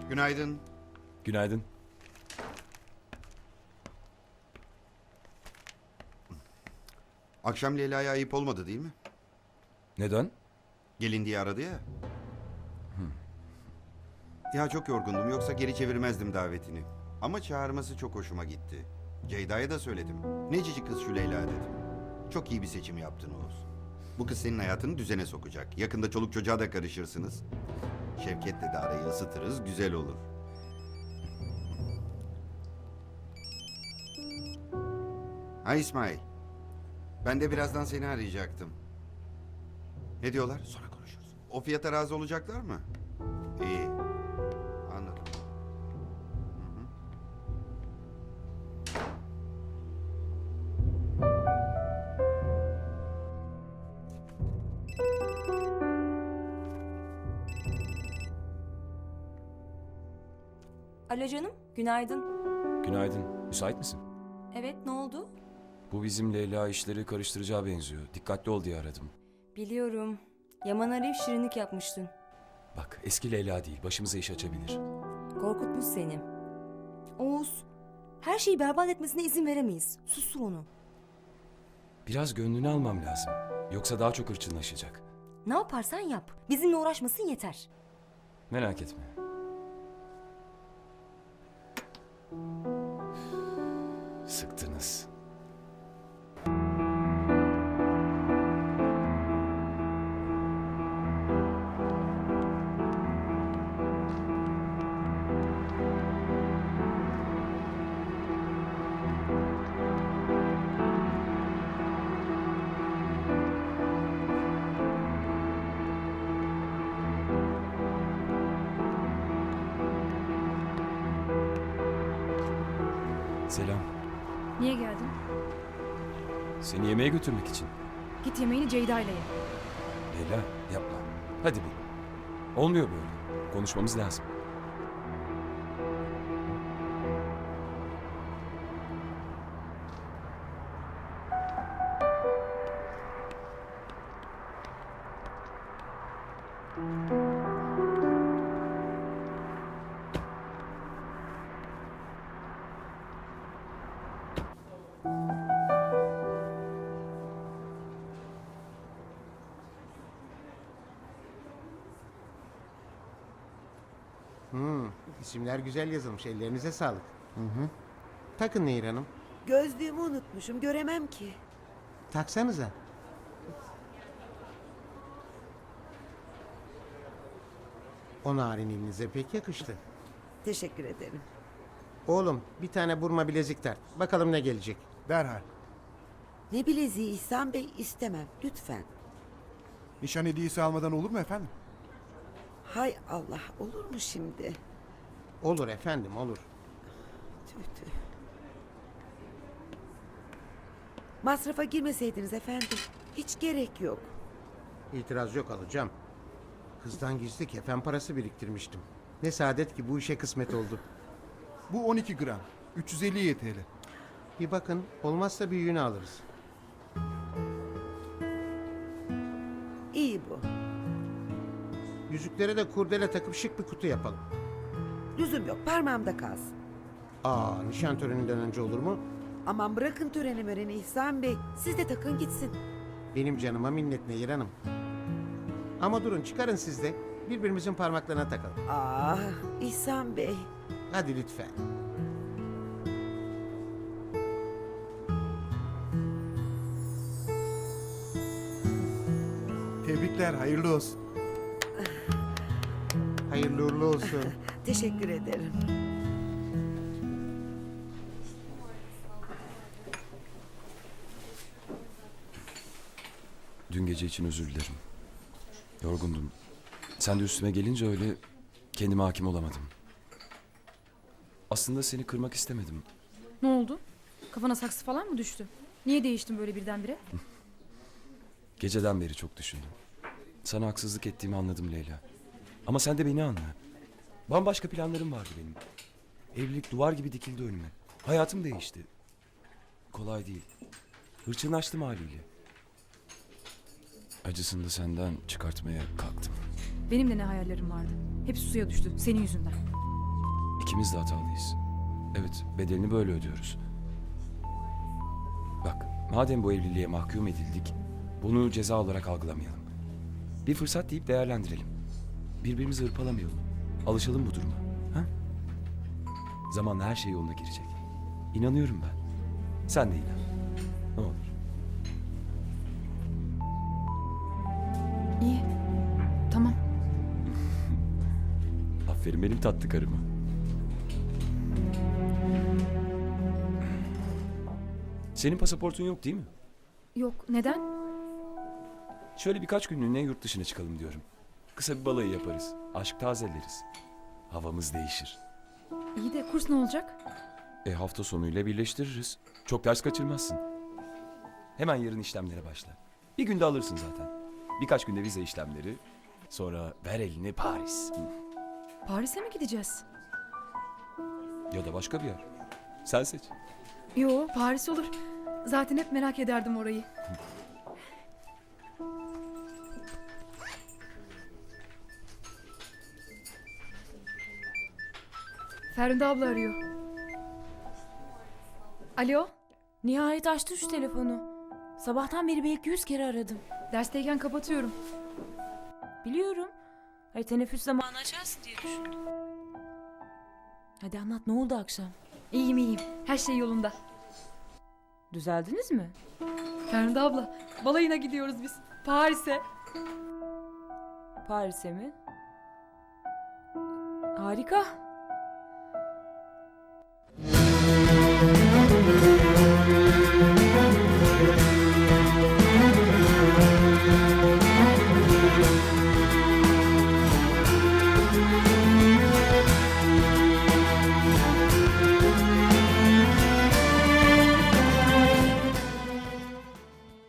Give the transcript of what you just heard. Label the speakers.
Speaker 1: Günaydın.
Speaker 2: Günaydın.
Speaker 1: Akşam Leyla'ya ayıp olmadı değil mi?
Speaker 2: Neden?
Speaker 1: Gelin diye aradı ya. Ya çok yorgundum, yoksa geri çevirmezdim davetini. Ama çağırması çok hoşuma gitti. Ceyda'ya da söyledim. Ne cici kız şu Leyla dedim. Çok iyi bir seçim yaptın Oğuz. Bu kız senin hayatını düzene sokacak. Yakında çoluk çocuğa da karışırsınız. Şevket'le de arayı ısıtırız, güzel olur. Ha İsmail. Ben de birazdan seni arayacaktım. Ne diyorlar? Sonra konuşuruz. O fiyata razı olacaklar mı? İyi. Anladım. Hı hı.
Speaker 3: Alo canım, günaydın.
Speaker 2: Günaydın. Müsait misin?
Speaker 3: Evet, ne oldu?
Speaker 2: Bu bizim Leyla işleri karıştıracağı benziyor. Dikkatli ol diye aradım.
Speaker 3: Biliyorum. Yaman arayıp şirinlik yapmıştın.
Speaker 2: Bak eski Leyla değil. Başımıza iş açabilir.
Speaker 3: Korkutmuş seni. Oğuz, her şeyi berbat etmesine izin veremeyiz. Sustur onu.
Speaker 2: Biraz gönlünü almam lazım. Yoksa daha çok hırçınlaşacak.
Speaker 3: Ne yaparsan yap. Bizimle uğraşmasın yeter.
Speaker 2: Merak etme. Sıktınız. Selam.
Speaker 4: Niye geldin?
Speaker 2: Seni yemeğe götürmek için.
Speaker 4: Git yemeğini Ceyda ile ye.
Speaker 2: Leyla yapma. Hadi bir. Olmuyor böyle. Konuşmamız lazım.
Speaker 5: İsimler güzel yazılmış. Ellerinize sağlık. Takın Nehir Hanım.
Speaker 6: Gözlüğümü unutmuşum, göremem ki.
Speaker 5: Taksanıza. O narin elinize pek yakıştı.
Speaker 6: Teşekkür ederim.
Speaker 5: Oğlum bir tane burma bilezik tart. Bakalım ne gelecek.
Speaker 7: Derhal.
Speaker 6: Ne bileziği İhsan Bey, istemem lütfen.
Speaker 7: Nişan hediyesi almadan olur mu efendim?
Speaker 6: Hay Allah, olur mu şimdi?
Speaker 5: Olur efendim olur.
Speaker 6: Tüh tüh. Masrafa girmeseydiniz efendim. Hiç gerek yok.
Speaker 5: İtiraz yok, alacağım. Kızdan gizli kefen parası biriktirmiştim. Ne saadet ki bu işe kısmet oldu.
Speaker 7: Bu 12 gram. 350 TL.
Speaker 5: Bir bakın, olmazsa büyüğünü alırız.
Speaker 6: İyi bu.
Speaker 5: Yüzüklere de kurdele takıp şık bir kutu yapalım.
Speaker 6: Lüzum yok, parmağımda kalsın.
Speaker 5: Nişan töreninden önce olur mu?
Speaker 6: Aman bırakın töreni möreni İhsan Bey. Siz de takın gitsin.
Speaker 5: Benim canıma minnet Nehir Hanım. Ama durun, çıkarın siz de. Birbirimizin parmaklarına takalım.
Speaker 6: İhsan Bey.
Speaker 5: Hadi lütfen.
Speaker 7: Tebrikler, hayırlı olsun.
Speaker 5: Hayırlı uğurlu olsun.
Speaker 6: Teşekkür ederim.
Speaker 2: Dün gece için özür dilerim. Yorgundum. Sen de üstüme gelince öyle kendime hakim olamadım. Aslında seni kırmak istemedim.
Speaker 4: Ne oldu? Kafana saksı falan mı düştü? Niye değiştin böyle birdenbire?
Speaker 2: Geceden beri çok düşündüm. Sana haksızlık ettiğimi anladım Leyla. Ama sen de beni anla. Bambaşka planlarım vardı benim. Evlilik duvar gibi dikildi önüme. Hayatım değişti. Kolay değil. Hırçınlaştım haliyle. Acısını da senden çıkartmaya kalktım.
Speaker 4: Benim de ne hayallerim vardı. Hepsi suya düştü senin yüzünden.
Speaker 2: İkimiz de hatalıyız. Evet, bedelini böyle ödüyoruz. Bak, madem bu evliliğe mahkum edildik, bunu ceza olarak algılamayalım. Bir fırsat deyip değerlendirelim. Birbirimizi hırpalamayalım. Alışalım bu duruma. Ha? Zamanla her şey yoluna girecek. İnanıyorum ben. Sen de inan. Ne olur.
Speaker 4: İyi. Tamam.
Speaker 2: Aferin benim tatlı karıma. Senin pasaportun yok değil mi?
Speaker 4: Yok, neden?
Speaker 2: Şöyle birkaç günlüğüne yurt dışına çıkalım diyorum. Kısa bir balayı yaparız. Aşk tazeleriz. Havamız değişir.
Speaker 4: İyi de kurs ne olacak?
Speaker 2: Hafta sonuyla birleştiririz. Çok ders kaçırmazsın. Hemen yarın işlemlere başla. Bir günde alırsın zaten. Birkaç günde vize işlemleri. Sonra ver elini Paris.
Speaker 4: Paris'e mi gideceğiz?
Speaker 2: Ya da başka bir yer. Sen seç.
Speaker 4: Yo, Paris olur. Zaten hep merak ederdim orayı. Ferhunde abla arıyor. Alo,
Speaker 8: Nihayet açtı şu telefonu. Sabahtan beri belki 100 kere aradım.
Speaker 4: dersteyken kapatıyorum.
Speaker 8: Biliyorum. Hayır, teneffüs zamanı açarsın diye düşündüm. Hadi anlat, ne oldu akşam?
Speaker 4: İyiyim iyiyim, her şey yolunda.
Speaker 8: Düzeldiniz mi?
Speaker 4: Ferhunde abla, balayına gidiyoruz biz. Paris'e.
Speaker 8: Paris'e mi? Harika.